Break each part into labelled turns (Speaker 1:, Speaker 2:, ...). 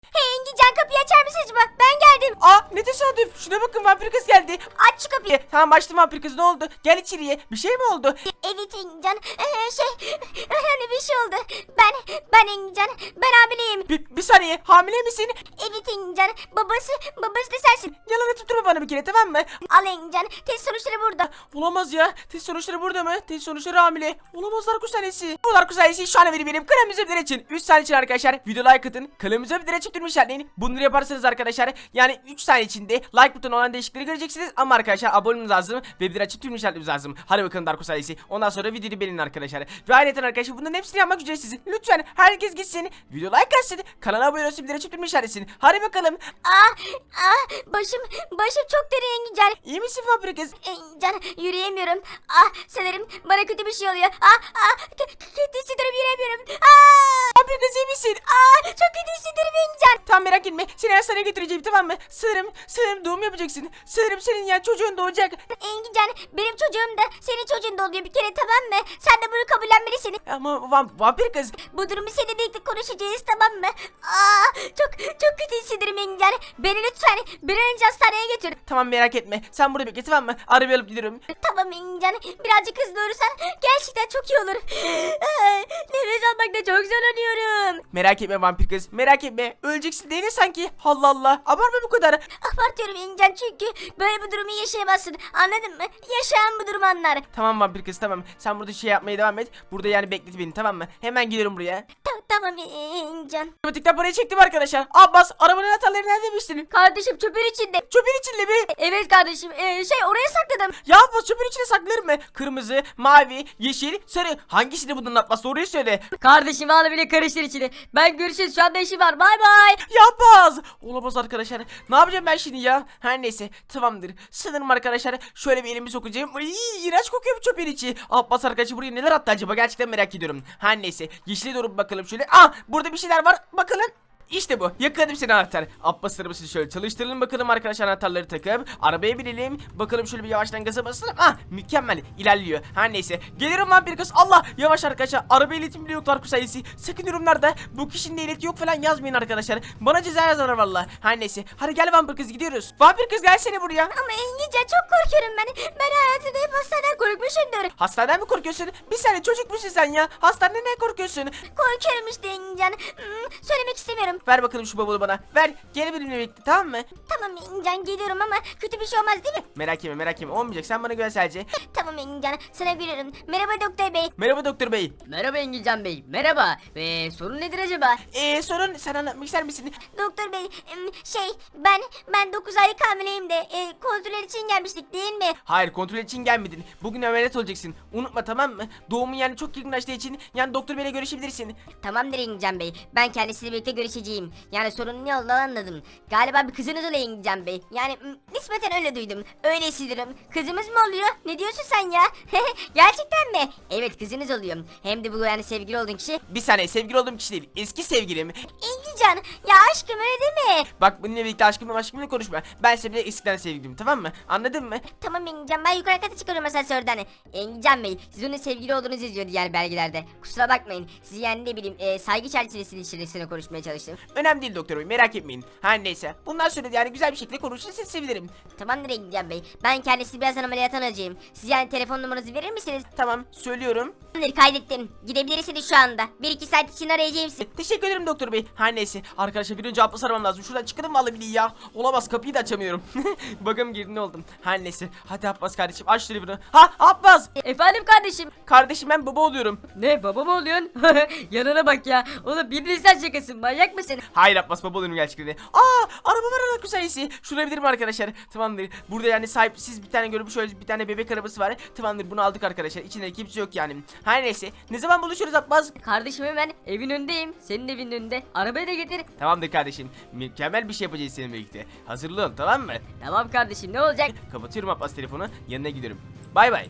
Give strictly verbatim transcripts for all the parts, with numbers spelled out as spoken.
Speaker 1: Hey Engincan, kapıyı açar mısın acaba? Ben geldim.
Speaker 2: Aa, ne tesadüf. Şuna bakın, vampir kız geldi.
Speaker 1: Aç şu kapıyı.
Speaker 2: E, tamam açtım vampir kız, ne oldu? Gel içeriye. Bir şey mi oldu?
Speaker 1: Evet Engincan. Ee, şey önemli bir şey oldu. Ben ben Engincan. Ben hamileyim.
Speaker 2: Bir, bir saniye, hamile misin?
Speaker 1: Evet Engincan. Babası babası da sensin.
Speaker 2: Yalan tutturma bana bir kere, tamam mı?
Speaker 1: Al Engincan. Test sonuçları burada.
Speaker 2: Olamaz ya. Test sonuçları burada mı? Test sonuçları hamile. Olamazlar kusanesi. Bunlar kusanesi şu an benim kanalımıza bir için. üç saniye için arkadaşlar video like atın. Kanalımıza bir için durmuş işaretleyin. Bunları yaparsanız arkadaşlar yani üç saniye içinde like butonu olan değişiklikleri göreceksiniz. Ama arkadaşlar abone olmanız lazım. Ve bir açıp tüm işaretlemeniz lazım. Hadi bakalım Dark kusanesi. Ondan sonra videoyu beğenin arkadaşlar. Ve ayrıca arkadaşlar bunların hepsini yapmak ücretsiz. Lütfen herkes gitsin. Video like atsın. Kanala abone olsun. Bir açıp tüm işaretlesin. Hadi bakalım.
Speaker 1: Ah ah başım başım çok derin Engincan.
Speaker 2: İyi misin vampir kız?
Speaker 1: Engincan, yürüyemiyorum. Ah sanırım bana kötü bir şey oluyor. Ah ah k- k- kötü hissediyorum, yürüyemiyorum. Ah
Speaker 2: Vampir kız iyi misin?
Speaker 1: ah çok kötü hissediyorum Engincan.
Speaker 2: Tamam merak etme. Seni hastaneye götüreceğim, tamam mı? Sanırım, sanırım doğum yapacaksın. Sanırım senin ya çocuğun doğacak.
Speaker 1: Engincan, benim çocuğum da senin çocuğun da oluyor bir kere, tamam mı? Sen de bunu kabullenmelisin.
Speaker 2: Ama vam vampir kız.
Speaker 1: Bu durumu seninle birlikte konuşacağız, tamam mı? Aa, çok çok kötü hissediyorum Engincan. Beni lütfen bir an önce hastaneye götür.
Speaker 2: Tamam merak etme. Sen burada bekle, tamam mı? Arabayı alıp gidiyorum.
Speaker 1: Tamam Engincan, birazcık hızlı olursan gerçekten çok iyi olur. Ay, nefes almakta çok zorlanıyorum.
Speaker 2: Merak etme vampir kız. Merak etme. Öleceksin değil mi sanki? Allah Allah. Abartma bu kadar.
Speaker 1: Abartıyorum Engincan, çünkü böyle bir durumu yaşayamazsın. Anladın mı? Yaşayan bu durumu anlar.
Speaker 2: Tamam vampir kız, tamam. Sen burada şey yapmaya devam et. Burada yani beklet beni, tamam mı? Hemen geliyorum buraya.
Speaker 1: Ta- tamam Engincan.
Speaker 2: Otomatikten parayı çektim arkadaşlar. Abbas, arabanın anahtarları nerede demiştin?
Speaker 1: Kardeşim çöpün içinde.
Speaker 2: Çöpün içinde mi?
Speaker 1: Evet kardeşim, ee, şey oraya sakladım.
Speaker 2: Ya Abbas, çöpün içine saklarım mı? Kırmızı, mavi, yeşil, sarı. Hangisi de bunların Abbas? Doğruyu söyle.
Speaker 1: Kardeşim valla bile karıştır içine. Ben görüşürüz, şu anda işim var, bay bay.
Speaker 2: Ya Abbas. Olamaz arkadaşlar. Ne yapacağım ben şimdi ya? Her neyse, tamamdır. Sanırım arkadaşlar şöyle bir elimi sokacağım. Ay, iğrenç kokuyor bu çöpün içi. Abbas arkadaşlar buraya neler attı acaba? Gerçekten merak ediyorum. Her neyse, yeşile doğru bir bakalım şöyle. Ah, burada bir şeyler var. Bakalım. İşte bu. Yakaladım seni anahtar. Abbas arabasını şöyle çalıştıralım bakalım arkadaşlar, anahtarları takıp arabaya binelim. Bakalım şöyle bir yavaştan gaza basalım. Ah, mükemmel ilerliyor. Her neyse. Gelirim lan bir kız. Allah, yavaş arkadaşlar. Araba iletim bile yoklar sayısı. Sakın yorumlarda bu kişinin ehliyeti yok falan yazmayın arkadaşlar. Bana ceza yazarlar valla. Her neyse. Hadi gel vampir kız, gidiyoruz. Vampir kız gelsene buraya.
Speaker 1: Ama Engincan, çok korkuyorum ben. Ben hayatımda hep hastaneden korkmuşumdur.
Speaker 2: Hastaneden mi korkuyorsun? Bir saniye, çocuk musun sen ya? Hastaneden ne korkuyorsun?
Speaker 1: Korkuyorum işte Engincan. Hmm, söylemek istemiyorum.
Speaker 2: Ver bakalım şu bavulu bana. Ver. Gel benimle birlikte, tamam mı?
Speaker 1: Tamam Engincan, geliyorum ama kötü bir şey olmaz değil mi?
Speaker 2: Merak etme, merak etme. Olmayacak. Sen bana güven sadece.
Speaker 1: Tamam Engincan, sana gülüyorum. Merhaba doktor bey.
Speaker 2: Merhaba doktor bey.
Speaker 3: Merhaba Engilcan Bey, merhaba. Ee, sorun nedir acaba?
Speaker 2: Eee sorun, sen anlatmak ister misin?
Speaker 1: Doktor bey, em, şey ben ben dokuz aylık hamileyim de e, kontrol için gelmiştik değil mi?
Speaker 2: Hayır, kontrol için gelmedin. Bugün ameliyat olacaksın. Unutma, tamam mı? Doğumun yani çok yakınlaştığı için yani doktor beyle görüşebilirsin.
Speaker 3: Tamamdır Engilcan Bey, ben kendisiyle birlikte görüşeceğim. Yani sorunun ne olduğunu anladım. Galiba bir kızınız oluyor Engilcan Bey.
Speaker 1: Yani m, nispeten öyle duydum. Öyle hissediyorum. Kızımız mı oluyor? Ne diyorsun sen ya? Gerçekten mi?
Speaker 3: Evet, kızınız oluyor. Hem de bu yani sevgili olduğun kişi.
Speaker 2: Bir saniye, sevgili olduğum kişi değil. Eski sevgilim.
Speaker 1: Engincan, ya aşkım öyle deme.
Speaker 2: Bak, bununla birlikte aşkımla aşkımla konuşma. Ben seninle eskiden sevgilim, tamam mı? Anladın mı?
Speaker 1: Tamam Engincan, ben yukarı kata çıkıyorum asansörden.
Speaker 3: Engilcan Bey, siz onun sevgili olduğunuzu yazıyordu yani belgelerde. Kusura bakmayın. Sizi yani ne bileyim e, saygı çerçevesinde içerisinde konuşmaya çalıştım.
Speaker 2: Önemli değil doktor bey, merak etmeyin. Her neyse. Bundan sonra da yani güzel bir şekilde konuşursanız sevinirim.
Speaker 3: Tamamdır Engilcan Bey. Ben kendisini birazdan ameliyata alacağım. Siz yani telefon numaranızı verir misiniz?
Speaker 2: Tamam, söylüyorum.
Speaker 3: Tamamdır, kaydettim. Gidebilirsiniz şu anda. bir iki saat için arayacağım sizi.
Speaker 2: E, teşekkür ederim doktor bey. Her neyse. Arkadaşlar bir önce Abbas aramam lazım. Şuradan çıkalım vallahi billahi ya. Olamaz, kapıyı da açamıyorum. Bakalım girdi ne oldum. Her neyse. Hadi Abbas kardeşim, aç telefonu. Ha Abbas.
Speaker 3: Efendim kardeşim.
Speaker 2: Kardeşim, ben baba oluyorum.
Speaker 3: Ne, baba mı oluyorsun? Yanına bak ya. Oğlum bir insan şakası, manyak mısın?
Speaker 2: Hayır Abbas, baba oluyorum gerçekten. Aa, araba var ana güzelsi. Şuraya bilir mi arkadaşlar? Tamamdır. Burada yani sahipsiz bir tane görüp şöyle bir tane bebek arabası var. Tamamdır, bunu aldık arkadaşlar. İçinde kimse yok yani. Her neyse. Ne zaman buluşuruz Abbas?
Speaker 3: Kardeşim hemen evin önündeyim. Senin evin önünde. Arabayı da getir.
Speaker 2: Tamamdır kardeşim. Mükemmel bir şey yapacağız seninle birlikte. Hazırlı ol, tamam mı?
Speaker 3: Tamam kardeşim, ne olacak?
Speaker 2: Kapatıyorum Abbas telefonu. Yanına gidiyorum. Bay bay.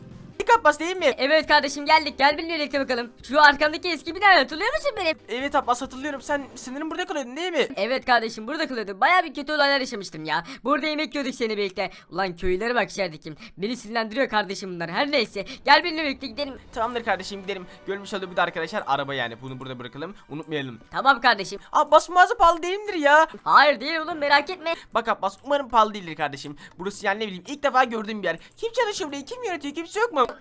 Speaker 2: Abbas değil mi?
Speaker 3: Evet kardeşim geldik, gel benimle birlikte bakalım. Şu arkamdaki eski bina, hatırlıyor musun benim?
Speaker 2: Evet Abbas, hatırlıyorum. Sen sanırım burada kalıyordun değil mi?
Speaker 3: Evet kardeşim, burada kalıyordum. Baya bir kötü olaylar yaşamıştım ya. Burada yemek yiyorduk seninle birlikte. Ulan köylere bak içeridekim. Beni sinirlendiriyor kardeşim bunlar. Her neyse, gel benimle birlikte gidelim.
Speaker 2: Tamamdır kardeşim, gidelim. Görmüş olduğu bir de arkadaşlar araba yani. Bunu burada bırakalım. Unutmayalım.
Speaker 3: Tamam kardeşim.
Speaker 2: Abbas mağaza pahalı değildir ya.
Speaker 3: Hayır değil oğlum, merak etme.
Speaker 2: Bak Abbas, umarım pahalı değildir kardeşim. Burası yani ne bileyim ilk defa gördüğüm bir yer. Kim çalışıyor burayı? Kim yönetiyor? Kimse yok mu?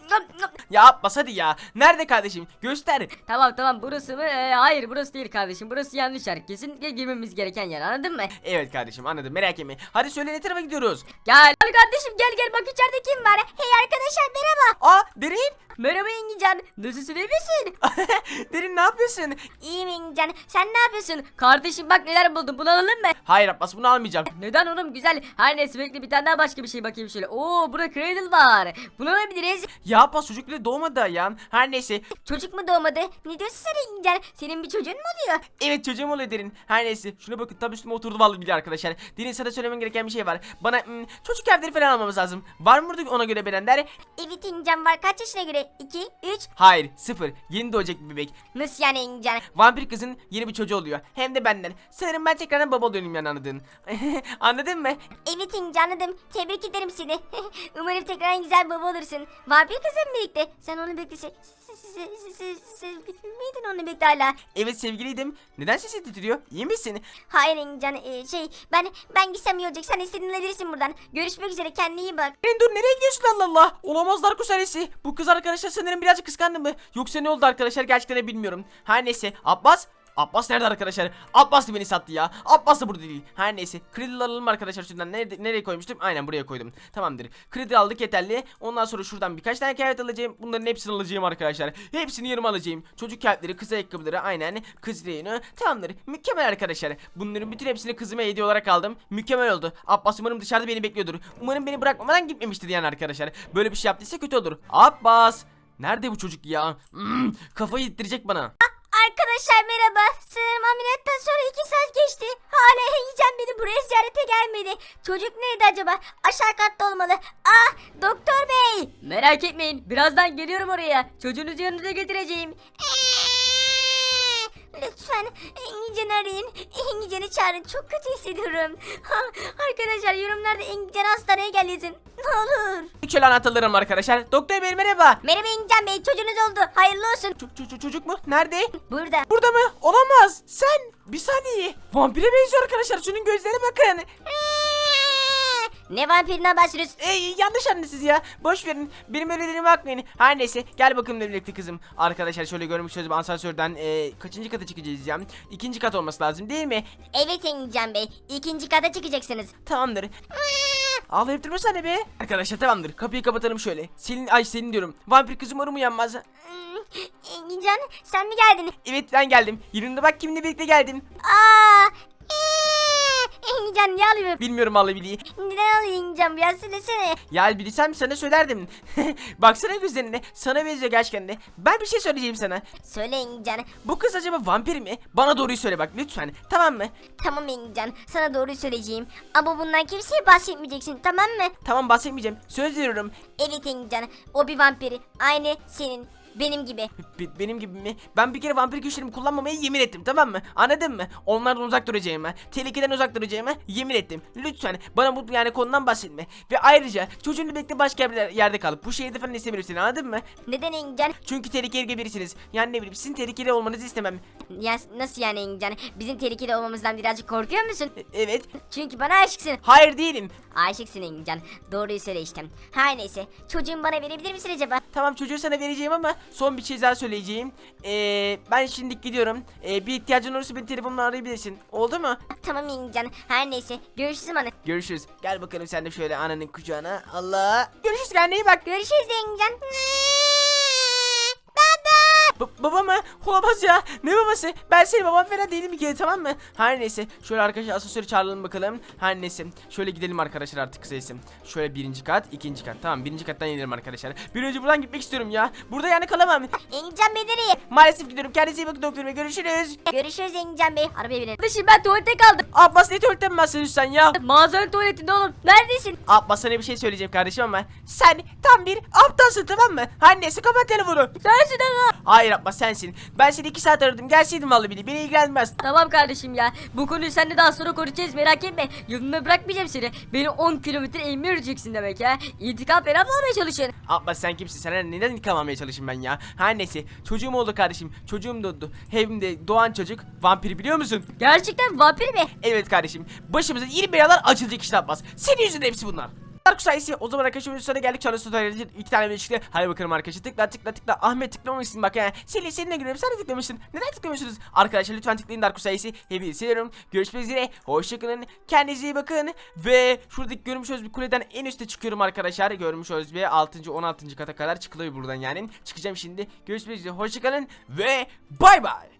Speaker 2: Ya Abbas hadi ya. Nerede kardeşim? Göster.
Speaker 3: Tamam tamam, burası mı? Ee, hayır burası değil kardeşim. Burası yanlış yer. Kesinlikle girmemiz gereken yer, anladın mı?
Speaker 2: Evet kardeşim, anladım, merak etme. Hadi söyle, ne tarafa gidiyoruz?
Speaker 3: Gel. Hadi kardeşim gel gel, bak içeride kim var?
Speaker 1: Hey arkadaşlar merhaba.
Speaker 2: Aa Derin.
Speaker 3: Merhaba Engincan. Nasılsın, iyi misin?
Speaker 2: Derin ne yapıyorsun?
Speaker 1: İyiyim Engincan. Sen ne yapıyorsun?
Speaker 3: Kardeşim bak neler buldum, bunu alalım mı?
Speaker 2: Hayır Abbas, bunu almayacağım.
Speaker 3: Neden oğlum, güzel. Her neyse, bekle bir tane daha başka bir şey bakayım şöyle. Oo, burada cradle var. Bunu alabiliriz.
Speaker 2: Ya Abbas, çocuk bile doğmadı daha ya. Her neyse.
Speaker 1: Çocuk mu doğmadı? Ne diyorsun sen Engincan? Senin bir çocuğun mu oluyor?
Speaker 2: Evet, çocuğum oluyor Derin. Her neyse. Şuna bakın, tam üstüme oturdu vallahi billahi arkadaşlar. Derin, sana söylemem gereken bir şey var. Bana hmm, çocuk evleri falan almamız lazım. Var mı burada ona göre beğenenler?
Speaker 1: Evet Engincan var. Kaç yaşına göre? iki, üç.
Speaker 2: Hayır, sıfır. Yeni doğacak bir bebek.
Speaker 1: Nasıl yani Engincan?
Speaker 2: Vampir kızın yeni bir çocuğu oluyor. Hem de benden. Sanırım ben tekrardan baba oluyorum yani, anladın. Anladın mı?
Speaker 1: Evet Engincan, anladım. Tebrik ederim seni. Umarım tekrar en güzel baba olursun. Vampir kızım birlikte. Sen onu birlikte se- se- se- se- se- sevgili miydin onu birlikte hala?
Speaker 2: Evet, sevgiliydim. Neden sesin titriyor? İyi misin?
Speaker 1: Hayır Engincan, ee, şey ben ben gitsem iyi olacak. Sen istediğin alabilirsin buradan. Görüşmek üzere, kendine iyi bak.
Speaker 2: Derin dur, nereye gidiyorsun Allah Allah? Olamaz Darko serisi. Bu kız arkadaşlar sanırım birazcık kıskandı mı? Yoksa ne oldu arkadaşlar, gerçekten de bilmiyorum. Her neyse, Abbas. Abbas nerede arkadaşlar? Abbas da beni sattı ya. Abbas da burada değil. Her neyse. Kredi alalım arkadaşlar şuradan. Nerede, nereye koymuştum? Aynen buraya koydum. Tamamdır. Kredi aldık yeterli. Ondan sonra şuradan birkaç tane kıyafet alacağım. Bunların hepsini alacağım arkadaşlar. Hepsini yanıma alacağım. Çocuk kıyafetleri, kız ayakkabıları, aynen. Kız reyonu. Tamamdır. Mükemmel arkadaşlar. Bunların bütün hepsini kızıma hediye olarak aldım. Mükemmel oldu. Abbas umarım dışarıda beni bekliyordur. Umarım beni bırakmadan gitmemiştir yani arkadaşlar. Böyle bir şey yaptıysa kötü olur. Abbas. Nerede bu çocuk ya? Hmm, kafayı yittirecek bana.
Speaker 1: Arkadaşlar merhaba. Sanırım ameliyattan sonra iki saat geçti. Hala Engincan beni buraya ziyarete gelmedi. Çocuk nerede acaba? Aşağı katta olmalı. Ah, doktor bey.
Speaker 3: Merak etmeyin, birazdan geliyorum oraya. Çocuğunuzu yanınıza getireceğim.
Speaker 1: Lütfen Engincan'ı arayın. Engincan'ı çağırın. Çok kötü hissediyorum. Ha, arkadaşlar yorumlarda Engincan hastaneye gel yazın. Ne olur.
Speaker 2: Şöyle anahtarlarım arkadaşlar. Doktor bey merhaba.
Speaker 1: Merhaba Engincan bey. Çocuğunuz oldu. Hayırlı olsun.
Speaker 2: Çocuk, çocuk, çocuk mu? Nerede?
Speaker 1: Burada.
Speaker 2: Burada mı? Olamaz. Sen. Bir saniye. Vampire benziyor arkadaşlar. Şunun gözlerine bakın.
Speaker 1: Ne vampirinden bahsediyorsun?
Speaker 2: Ey, yanlış anladınız ya. Boş verin. Benim öyle dediğime bakmayın. Her neyse. Gel bakalım birlikte kızım. Arkadaşlar şöyle görmüş sözüm, asansörden e, kaçıncı kata çıkacağız ya? İkinci kat olması lazım değil mi?
Speaker 1: Evet Engincan bey. İkinci kata çıkacaksınız.
Speaker 2: Tamamdır. Ağlayıp durmasana be. Arkadaşlar tamamdır. Kapıyı kapatalım şöyle. Senin, ay senin diyorum. Vampir kızım umarım uyanmaz.
Speaker 1: Hmm, Engincan sen mi geldin?
Speaker 2: Evet, ben geldim. Yanında bak kimle birlikte geldim.
Speaker 1: Aa! Engincan ne alıyor?
Speaker 2: Bilmiyorum vallahi billahi.
Speaker 1: Neden alıyor Engincan? Biraz söylesene.
Speaker 2: Ya bilsem sana söylerdim. Baksana gözlerine. Sana benziyor gerçekten de. Ben bir şey söyleyeceğim sana.
Speaker 1: Söyle Engincan.
Speaker 2: Bu kız acaba vampir mi? Bana doğruyu söyle bak lütfen. Tamam mı?
Speaker 1: Tamam Engincan. Sana doğruyu söyleyeceğim. Ama bundan kimseye bahsetmeyeceksin, tamam mı?
Speaker 2: Tamam, bahsetmeyeceğim. Söz veriyorum.
Speaker 1: Evet Engincan. O bir vampiri. Aynı senin. Benim gibi.
Speaker 2: Be- benim gibi mi? Ben bir kere vampir güçlerimi kullanmamaya yemin ettim, tamam mı? Anladın mı? Onlardan uzak duracağıma, tehlikeden uzak duracağıma yemin ettim. Lütfen bana bu yani konudan bahsetme. Ve ayrıca çocuğunla birlikte başka bir yerde kalıp bu şehirde falan istemiyorum seni, anladın mı?
Speaker 1: Neden Engincan?
Speaker 2: Çünkü tehlikeli birisiniz. Yani ne bileyim, sizin tehlikeli olmanızı istemem.
Speaker 1: Ya, nasıl yani Engincan? Bizim tehlikeli olmamızdan birazcık korkuyor musun?
Speaker 2: E- evet.
Speaker 1: Çünkü bana aşıksın.
Speaker 2: Hayır değilim.
Speaker 1: Aşıksın Engincan. Doğruyu söyle işte. Her neyse. Çocuğumu bana verebilir misin acaba?
Speaker 2: Tamam, çocuğu sana vereceğim ama son bir şey daha söyleyeceğim. Ee, ben şimdi gidiyorum. Ee, bir ihtiyacın olursa beni telefonla arayabilirsin. Oldu mu?
Speaker 1: Tamam Engincan. Her neyse. Görüşürüz bana.
Speaker 2: Görüşürüz. Gel bakalım sen de şöyle ananın kucağına. Allah. Görüşürüz, kendine iyi bak.
Speaker 1: Görüşürüz Engincan. Baba.
Speaker 2: Ba- baba mı? Olamaz ya. Ne babası? Ben senin baban falan değilim bir kere, tamam mı? Her neyse. Şöyle arkadaşlar asansörü çağıralım bakalım. Her neyse. Şöyle gidelim arkadaşlar artık kısaysa. Şöyle birinci kat, ikinci kat. Tamam, birinci kattan inelim arkadaşlar. Bir önce buradan gitmek istiyorum ya. Burada yani kalamam.
Speaker 1: Engincan Bey nereye?
Speaker 2: Maalesef gidiyorum. Kendinize iyi bakın doktor bey. Görüşürüz.
Speaker 1: Görüşürüz Engincan Bey. Arabaya binelim.
Speaker 3: Kardeşim ben tuvalete kaldım.
Speaker 2: Abbas ne tuvaletten mi bahsediyorsun sen ya?
Speaker 3: Mağazanın tuvaletinde oğlum.
Speaker 1: Neredesin?
Speaker 2: Abbas sana bir şey söyleyeceğim kardeşim ama sen tam bir aptalsın, tamam mı? Her neyse kapat telefonu.
Speaker 3: Sensin ama.
Speaker 2: Hayır Abbas, sensin. Ben seni iki saat aradım. Gelseydin vallahi bile. Beni ilgilenmez.
Speaker 3: Tamam kardeşim ya. Bu konuyu seninle daha sonra konuşacağız, merak etme. Yolunu bırakmayacağım seni. Beni on kilometre eğimi yürüyeceksin demek ya. İntikam falan mı almaya çalışın?
Speaker 2: Abbas sen kimsin? Sana neden intikam almaya çalışayım ben ya? Her neyse. Çocuğum oldu kardeşim. Çocuğum doğdu. Evimde doğan çocuk vampir, biliyor musun?
Speaker 3: Gerçekten vampir mi?
Speaker 2: Evet kardeşim. Başımıza yeni belalar açılacak işte Abbas. Senin yüzünden hepsi bunlar. Dark sayısı o zaman arkadaşlar sonra geldik Charles Tutorial'in iki tane video çıktı. Hadi bakalım arkadaşlar, tıkla tıkla tıkla. Ahmet tıklamamışsın bak ya. Seni seninle görüyorum, sen de tıklamışsın. Neden tıklamıyorsunuz? Arkadaşlar lütfen tıklayın Dark sayısı. Hepinizi seviyorum. Görüşmek üzere. Hoşçakalın. Kendinize iyi bakın. Ve şuradaki görmüş olduğunuz bir kuleden en üste çıkıyorum arkadaşlar. Görmüş olduğunuz bir altıncı on altıncı kata kadar çıkılıyor buradan yani. Çıkacağım şimdi. Görüşmek üzere. Hoşçakalın ve bay bay.